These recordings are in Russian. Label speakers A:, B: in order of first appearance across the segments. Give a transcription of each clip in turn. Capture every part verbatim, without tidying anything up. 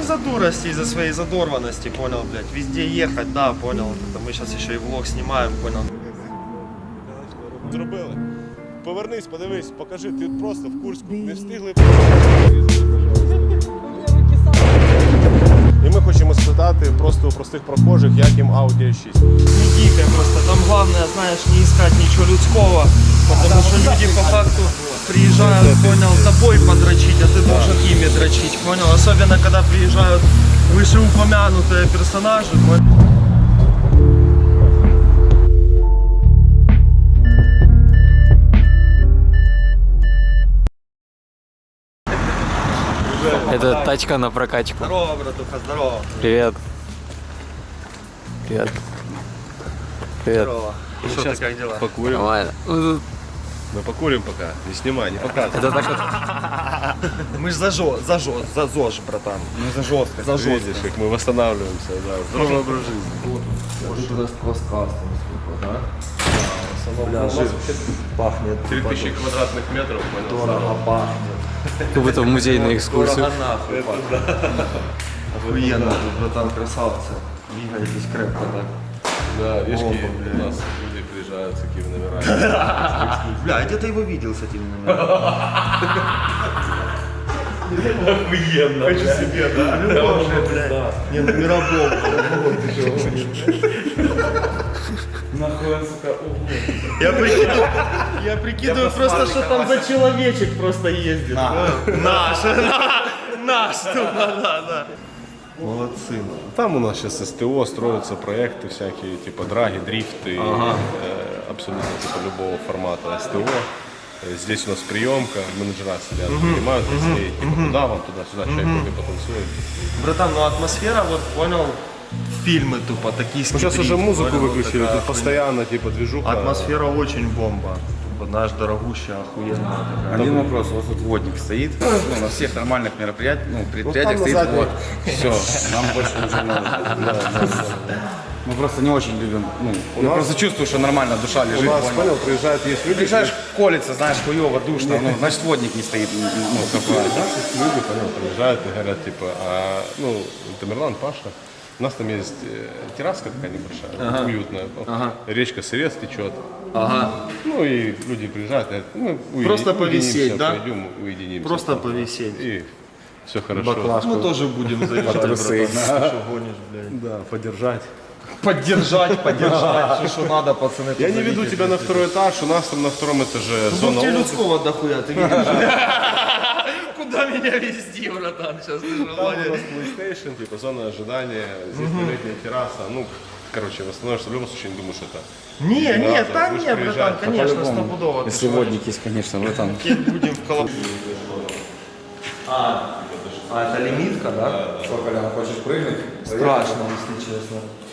A: из-за дурости, из-за своей задорванности, понял, блядь. Везде ехать, да, понял. Это мы сейчас еще и влог снимаем, понял.
B: Зробили. Повернись, подивись, покажи, ти просто в Курську не встигли. І ми хочемо спитати просто у простих прохожих, як їм Audi а шість.
A: Не дикая просто, там главное, знаешь, не искать ничего людского, потому что люди по факту приезжают, понял, тобой подрочить, а ты должен ими дрочить, понял? Особенно, когда приезжают вышеупомянутые персонажи, понял?
C: Это тачка на прокачку.
A: Здорово, братуха, здорово.
C: Привет. Привет. Привет.
A: Здорово. Что ты, как дела?
B: Покурим.
C: Нормально. Ну,
B: Мы покурим пока. Не снимай, не показывай.
C: Это так вот.
A: Мы ж за жо, за жо, за ЗОЖ, братан. Мы за жестко, за жестко.
B: Видишь, как мы восстанавливаемся, да. Здоровый образ жизни.
A: Тут у нас квас-кастом, да?
B: Бля,
A: жир пахнет.
B: три тысячи квадратных метров, понял?
A: Дорого пахнет.
C: Как будто в музейную экскурсию.
A: Дорого нахуй пахнет. Охуенно, тут, братан, красавцы. Двигаетесь крепко, так?
B: Да, видишь,
A: Оба,
B: какие
A: блядь.
B: у нас люди приезжают с такими номерами.
A: Бля, я где-то его видел с этими номерами.
B: Охуенно. Хочу себе, да?
A: Любовь, блядь. Не, номера бомба.
D: Нахуй он, сука, ого.
A: Я прикидываю, я прикидываю просто, что там за человечек просто ездит. Наш, наш, да, да. Молодцы.
B: Там у нас сейчас СТО, строятся проекты всякие, типа драги, дрифты,
A: Ага.
B: э, абсолютно типа любого формата СТО. Э, Здесь у нас приемка, менеджера сидят, принимают гостей, типа туда вам, туда-сюда, чай, кофе потанцуем.
A: Братан, ну атмосфера, вот понял, фильмы тупо, токийский
B: Ну, сейчас
A: дрифт,
B: уже музыку
A: понял,
B: выключили,
A: такая
B: тут постоянно типа движуха.
A: атмосфера очень бомба. Тупо наш дорогущая, охуенная такая.
D: Один вопрос, вот тут водник стоит, ну, на всех нормальных мероприятиях, ну, предприятиях
B: там
D: стоит
B: на задней.
D: вот. Все, нам больше ничего не надо. Мы просто не очень любим, ну, я
B: нас-
D: просто чувствую, что нормально душа
B: У
D: лежит,
B: нас,
D: понял?
B: понял, приезжают, есть люди,
D: Приезжаешь, колется, знаешь, хуёво, душно, ну, значит, водник не стоит, ну, какой.
B: люди, понял, приезжают и говорят, типа, а, ну, Тамерлан, Паша, у нас там есть э, терраска такая небольшая, уютная, ну, речка Сырец течет.
A: Ага.
B: Ну и люди приезжают, говорят, ну, уедини-
A: Просто
B: уединимся,
A: повисеть, да?
B: Пойдем, уединимся.
A: Просто повисеть.
B: И все хорошо.
A: Мы тоже будем заезжать, братан.
D: трусы.
A: Ты что гонишь, блядь?
B: Да, поддержать.
A: Поддержать, поддержать. Что надо, пацаны.
B: Я
A: тут
B: не веду
A: завидите,
B: тебя на
A: блядь.
B: второй этаж, у нас там на втором этаже
A: Ну,
B: зона
A: тебе
B: отдыха.
A: людского дохуя, ты видишь? Куда меня везти, братан, сейчас ты же
B: Там у нас PlayStation, типа зона ожидания, здесь летняя терраса. Ну, короче, восстановишься в любом случае, не думаю, что это.
A: Не, не,
B: Единица,
A: да
B: будешь
A: не, братан,
B: приезжать,
A: конечно,
D: По-любому.
A: стопудово. ты
D: Если
A: что,
D: водник есть, конечно, братан.
A: будем в колоб... А, а, это лимитка, да?
D: Что, Колян, хочешь прыгнуть?
A: Страшно, если честно.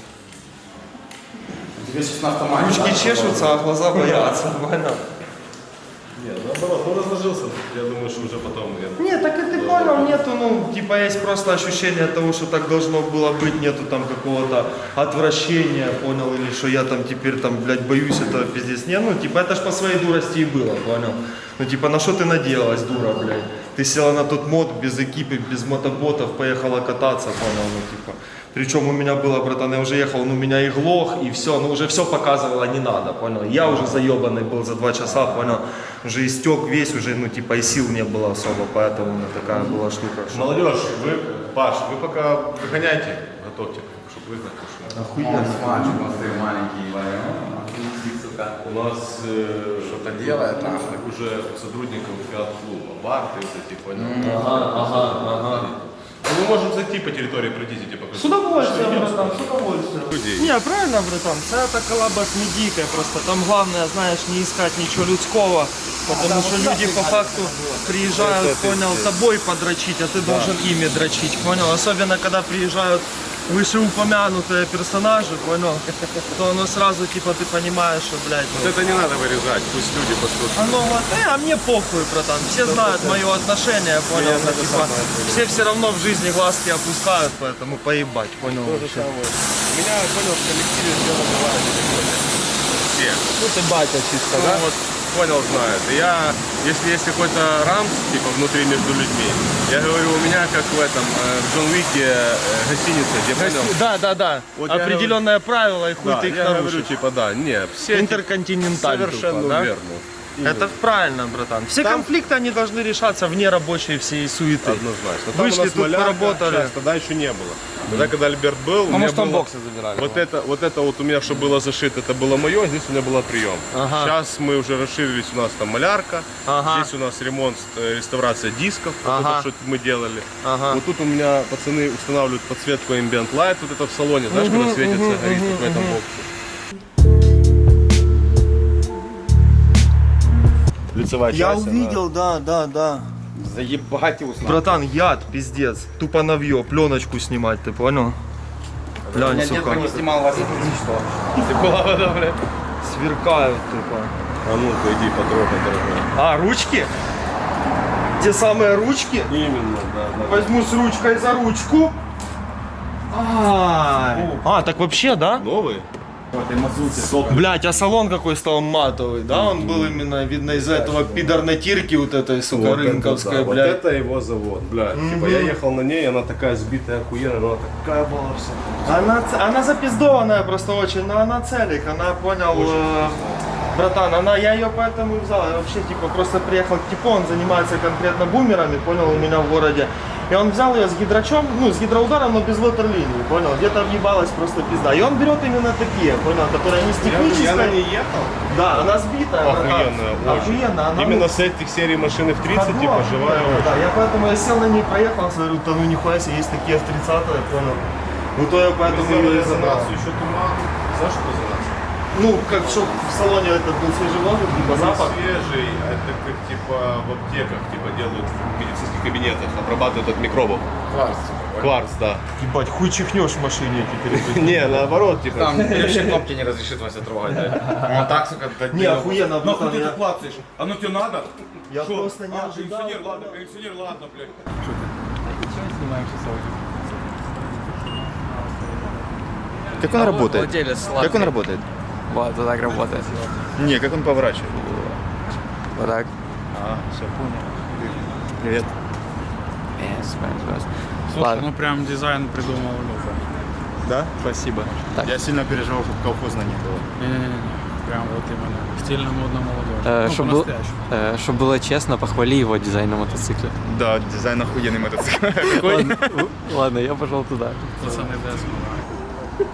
D: Тебе сейчас на автомате.
A: Ручки чешутся, а глаза боятся, понял?
B: Нет, наоборот, ну разложился, я думаю, что уже потом... я-
A: Нет, так и ты понял, нету, ну, типа есть просто ощущение того, что так должно было быть, нету там какого-то отвращения, понял, или что я там теперь там, блядь, боюсь этого пиздец. Не, ну, типа это ж по своей дурости и было, понял? Ну, типа, на что ты надеялась, дура, блядь? Ты села на тот мод без экипы, без мотоботов, поехала кататься, понял, ну, типа. Причем у меня было, братан, я уже ехал, ну, меня и глох, и все, ну, уже все показывало, не надо, понял? Я уже заебанный был за два часа, понял? Уже истек весь, уже, ну, типа, и сил не было особо, поэтому у меня такая была штука. что-
B: Молодежь, вы, Паш, вы пока выгоняйте, готовьте, чтобы выгнать. потому что
A: Охуенно.
D: Мальчик, смотри, маленький. сука.
B: У нас э,
D: Что-то делает, нахуй.
B: уже сотрудников фиат-клуба, бар, ты вот эти, понял?
A: Ага, ага, ага.
B: Ну, мы можем зайти по территории, пройтись, типа,
A: С удовольствием, братан, с удовольствием.
B: Людей.
A: Не, правильно, братан, вся эта коллаба с медийкой, просто там главное, знаешь, не искать ничего людского, потому что люди по факту приезжают, понял, тобой подрочить, а ты должен ими дрочить, понял? Особенно, когда приезжают вышеупомянутые персонажи, понял, то оно сразу, типа, ты понимаешь, что, блядь, ну,
B: Это не надо вырезать, пусть люди послушают.
A: оно вот, э, а мне похуй, братан, все знают мое отношение, понял, ну, типа, все все равно в жизни глазки опускают, поэтому поебать, понял?
B: То же
A: вообще.
B: самое. У меня, понял, в коллективе все называют. Все.
A: Ну ты батя чисто,
B: Ну,
A: да?
B: вот понял, знает. И я, если есть какой-то рамс, типа, внутри между людьми, я говорю, у меня как в этом, э, в Джон Уике э, гостиница, где, понял?
A: Да, да, да.
B: Вот я
A: Определенное правило, и хуй
B: Да,
A: ты их
B: я говорю,
A: нарушишь.
B: типа, да, не, все эти-
A: Интерконтиненталь
B: совершенно
A: тупо, да?
B: верно.
A: Это правильно, братан. Все
B: Там-
A: конфликты, они должны решаться вне рабочей всей суеты.
B: Однозначно. Там
A: Вышли
B: у нас
A: тут,
B: малярка,
A: поработали.
B: сейчас, тогда еще не было. Тогда, когда Альберт был, у
D: Ну,
B: меня
D: может, там
B: было-
D: боксы забирали.
B: Вот это, вот это вот у меня, что было зашито, это было мое, здесь у меня был прием.
A: Ага.
B: Сейчас мы уже расширились, у нас там малярка,
A: Ага.
B: здесь у нас ремонт, э, реставрация дисков, вот
A: Ага.
B: это, что мы делали.
A: Ага.
B: Вот тут у меня пацаны устанавливают подсветку Ambient Light, вот это в салоне, знаешь, когда светится, горит вот в этом боксе. Лицевая
A: Я
B: часть,
A: увидел, да, да, да.
D: Заебать уснул.
A: Братан, яд, пиздец. Тупо навье, пленочку снимать, ты понял? Глянь,
D: Я
A: сука.
D: не снимал вас, что?
B: Ты была вода, бля.
A: Сверкают тупо.
B: А ну-ка иди потрогай, дорогой.
A: А, ручки? Те самые ручки?
B: Именно, да, да.
A: Возьму с ручкой за ручку. Ай. А, так вообще, да?
B: Новый?
A: Блять, а салон какой стал матовый, да? Он был именно, видно, из-за этого пидорнатирки вот этой, сука,
B: Вот это
A: рынковской,
B: да, вот
A: блядь.
B: это его завод, блядь. Типа я ехал на ней, она такая сбитая, охуенная, но она такая была вся.
A: Она, ц- она запиздованная просто очень, но она целик, она понял, э, братан, она, я ее поэтому и взял, я вообще типа просто приехал к типу, он занимается конкретно бумерами, понял, у меня в городе. И он взял ее с гидрачом, ну, с гидроударом, но без ватерлинии, понял, где-то въебалась просто пизда. И он берет именно такие, понял, которые не с технической.
B: Я на ней ехал?
A: Да, она сбитая. братан.
B: Охуенная, очень.
A: Охуенно, она
B: Именно
A: ну,
B: с этих серий машины в тридцать,
A: ходова,
B: типа, живая
A: да,
B: очень.
A: да, я поэтому я сел на ней, проехался, говорю, да ну нихуя себе, есть такие в тридцатые, понял. Ну то я поэтому ее и забрал.
B: еще туман. Знаешь, что резонацию?
A: Ну, как чтобы в салоне этот был свежий воздух, либо запах.
B: Свежий, это как типа в аптеках, типа делают в медицинских кабинетах, обрабатывают от микробов.
D: Кварц.
B: Кварц, да.
A: Ебать, хуй чихнешь в машине теперь.
B: Не, наоборот, типа.
D: Там вообще кнопки не разрешит Вася трогать, да? Он так, сука, так
A: Не, охуенно,
E: Нахуй
A: братан,
E: ты
A: я-
E: это клацаешь? Оно тебе надо?
A: Я
E: Шо?
A: просто не
E: А,
A: ожидал.
E: кондиционер, ладно, кондиционер, ладно, блядь.
F: Как он работает?
C: Владелец
F: Как он
C: сладкий.
F: работает?
C: Вот, вот так работает.
F: Не, как он поворачивает?
C: Вот так.
F: А, все, понял. Привет.
C: Yes, yes, yes.
G: Слушай,
C: Ладно.
G: ну прям дизайн придумал Люка.
F: Да? Спасибо.
C: Так.
F: Я сильно переживал, чтобы колхоза не было.
G: Не-не-не, прям вот именно. Стильно, модно, молодежь.
C: Э,
G: ну,
C: чтоб, был-
G: по-настоящему.
C: э, чтоб было честно, похвали его дизайн на мотоцикле.
F: Да, дизайн охуенный мотоцикл. Какой?
C: Ладно, в- ладно, я пошел туда.
G: Пацаны, да,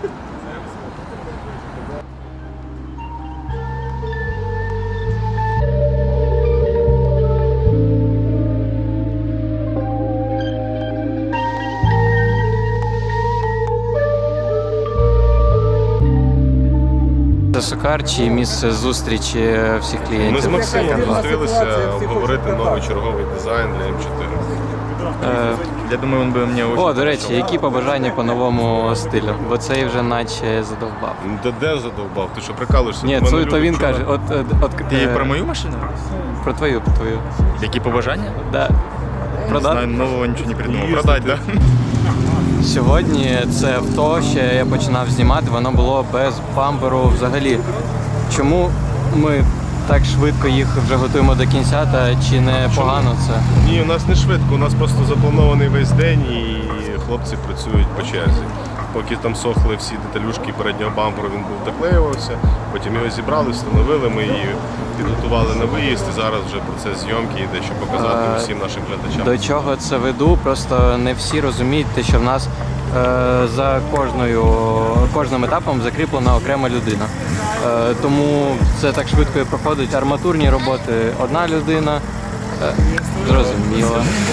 C: Це Сокар чи місце зустрічі всіх
B: Ми з
C: клієнтів?
B: Максимом зустрілися обговорити новий черговий дизайн для М чотири.
C: Е,
F: Я думаю, он бы мне очень...
C: О, до речі, які побажання по новому стилю? Бо цей вже наче задовбав.
B: Де де задовбав? Ти що прикалуєшся?
C: Ні,
B: У мене
C: це,
B: люди
C: то він
B: вчора-
C: каже, от, от, от
F: Ти
C: е,
F: про мою машину?
C: про твою, про твою.
F: Які побажання?
C: Да.
F: Не
C: Продати?
F: знаю, нового нічого не придумал. Продать, да?
C: Сьогодні це авто, ще я починав знімати, воно було без бамперу взагалі. Чому ми так швидко їх вже готуємо до кінця, та чи не погано це?
B: Ні, у нас не швидко, у нас просто запланований весь день і хлопці працюють по черзі. Поки там сохли всі деталюшки переднього бамперу, він був доклеювався, потім його зібрали, встановили, ми її підготували на виїзд і зараз вже процес зйомки йде, щоб показати
C: А,
B: усім нашим глядачам.
C: До чого це веду? Просто не всі розуміють, те, що в нас е, за кожною, кожним етапом закріплена окрема людина. Е, тому це так швидко і проходить. Арматурні роботи одна людина. Е, зрозуміло.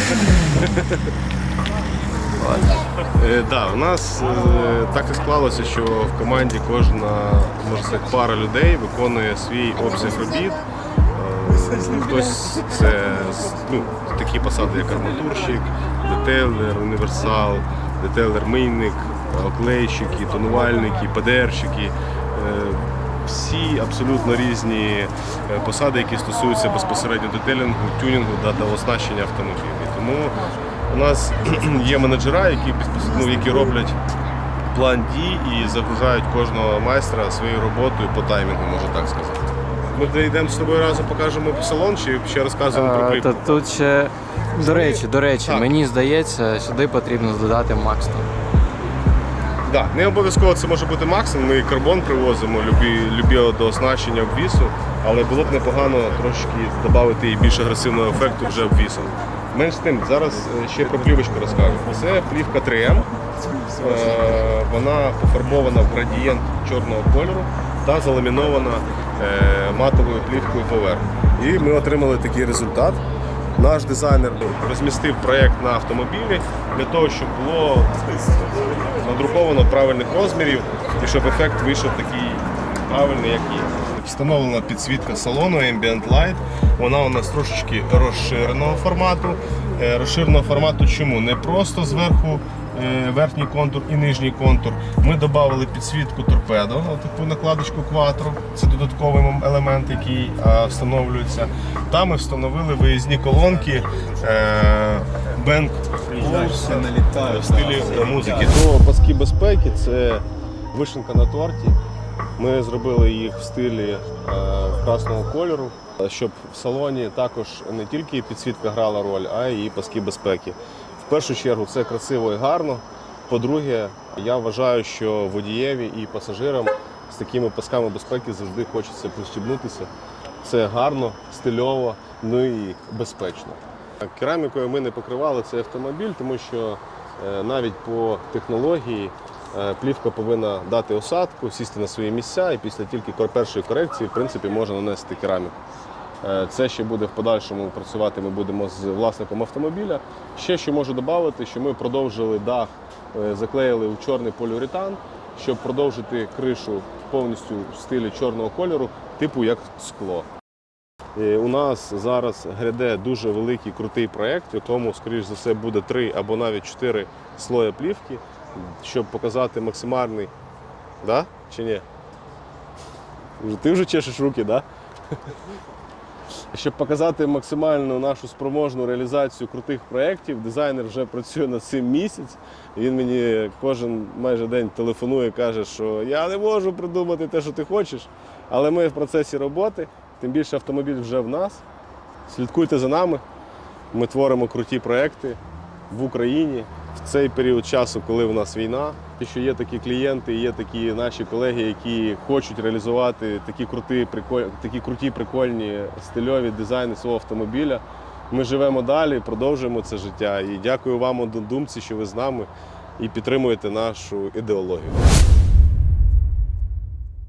B: Е, да, у нас е, так і склалося, що в команді кожна, можна сказати, пара людей виконує свій обсяг робіт. Е, хтось це ну, такі посади, як арматурщик, детейлер, універсал, детейлер-мийник, оклейщики, тонувальники, ПДРщики. Е, всі абсолютно різні е, посади, які стосуються безпосередньо детейлінгу, тюнінгу да, та оснащення автомобілів. Тому у нас є менеджера, які, безпос- ну, які роблять план дій і загружають кожного майстра своєю роботою по таймінгу, можна так сказати. Ми дійдемо з тобою разом, покажемо салон чи ще розказуємо про
C: Е,
B: плівку?
C: Та тут ще, до речі, до речі,
B: Так.
C: мені здається, сюди потрібно додати Макстон.
B: Да, не обов'язково це може бути Максим, ми і карбон привозимо, любі, любі до оснащення обвісу, але було б непогано трошки додати і більш агресивного ефекту вже обвісом. Менш з тим, зараз е, ще про плівочку розкажу. Це плівка три ем, Е, вона пофарбована в градієнт чорного кольору та заламінована е, матовою плівкою поверх. І ми отримали такий результат. Наш дизайнер розмістив проєкт на автомобілі для того, щоб було надруковано правильних розмірів і щоб ефект вийшов такий правильний, як є. Встановлена підсвітка салону Ambient Light. Вона у нас трошечки розширеного формату. Е, Розширеного формату чому? Не просто зверху е, верхній контур і нижній контур. Ми додали підсвітку торпедо, таку накладочку Quattro. Це додатковий елемент, який е, встановлюється. Там ми встановили виїзні колонки е, Bang в стилі музики. До паски безпеки це вишенка на торті. Ми зробили їх в стилі е, красного кольору, щоб в салоні також не тільки підсвітка грала роль, а й паски безпеки. В першу чергу це красиво і гарно. По-друге, я вважаю, що водієві і пасажирам з такими пасками безпеки завжди хочеться пристібнутися. Це гарно, стильово, ну і безпечно. Керамікою ми не покривали цей автомобіль, тому що е, навіть по технології е, плівка повинна дати осадку, сісти на свої місця і після тільки першої корекції в принципі, можна нанести кераміку. Е, Це ще буде в подальшому працювати, ми будемо з власником автомобіля. Ще що можу додати, що ми продовжили дах, е, заклеїли у чорний поліуретан, щоб продовжити кришу повністю в стилі чорного кольору, типу як скло. У нас зараз гряде дуже великий крутий проєкт, в якому, скоріш за все, буде три або навіть чотири слоя плівки, щоб показати максимальний. Да? Чи ні? Ти вже чешеш руки, да? Щоб показати максимальну нашу спроможну реалізацію крутих проєктів, дизайнер вже працює над цим місяць. Він мені кожен майже день телефонує і каже, що я не можу придумати те, що ти хочеш, але ми в процесі роботи. Тим більше автомобіль вже в нас. Слідкуйте за нами. Ми творимо круті проекти в Україні в цей період часу, коли в нас війна. І що є такі клієнти, є такі наші колеги, які хочуть реалізувати такі круті, приколь... такі круті, прикольні стильові дизайни свого автомобіля. Ми живемо далі, продовжуємо це життя. І дякую вам, однодумці, що ви з нами і підтримуєте нашу ідеологію.